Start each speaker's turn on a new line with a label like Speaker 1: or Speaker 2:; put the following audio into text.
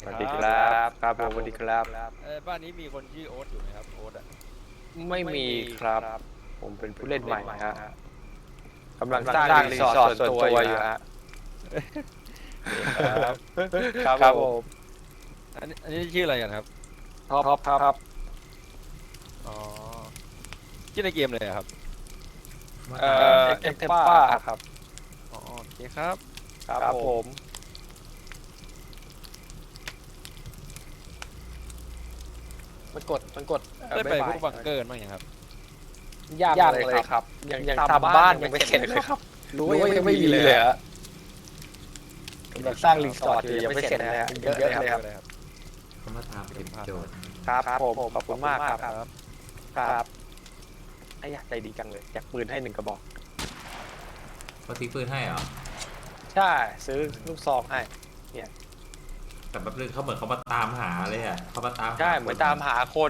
Speaker 1: สวัสดีครับครับผมสวัสดีครับ
Speaker 2: บ้านนี้มีคนชื่อโอ๊ตอยู่ไหมครับโอ๊ตอ่ะ
Speaker 1: ไม่มีครับผมเป็นผู้เล่นใหม่ฮะกำลังสร้างรีสอร์ทส่วนตัวอยู่ฮะ
Speaker 2: โอเคครับ
Speaker 1: ครับผม
Speaker 2: อันนี้ชื่ออะไรกันครับ
Speaker 1: ท็อปครับ
Speaker 2: อ๋อชื่อในเกมเลยอะครับ
Speaker 3: มา
Speaker 1: เอ่
Speaker 3: ตาม
Speaker 1: เอ็กเทมป้าครับ
Speaker 2: อ๋อโอเคครับ
Speaker 1: ครับผมมันกด
Speaker 2: ได้ไป
Speaker 1: บ๊ายบา
Speaker 2: พวย กบังเกอร์บ้างยังครับ
Speaker 1: ยากเลยครับยังทำบ้านยังไม่เสร็จเลยครับรู้ว่ายังไม่มีเลยฮะกำลังสร้างรีสอร์ทอยู่ยังไม่เสร็จเลยฮะเยอะเลยครับ
Speaker 2: ครับ
Speaker 3: เขามาตามเก็บโจทย์
Speaker 1: ครับผมขอบคุณมากครับ
Speaker 2: ครับ
Speaker 1: ครับไอ้ยใจดีจังเลยแจกปืนให้1 กระบอก
Speaker 3: เขาทิ้งปืนให้เหรอ
Speaker 1: ใช่ซื้อลูกซองให้
Speaker 3: แต่แบบนึงเขาเหมือนเขามาตามหาเลยอ่ะเขามาตามหา
Speaker 1: ใช่เหมือนตามหาคน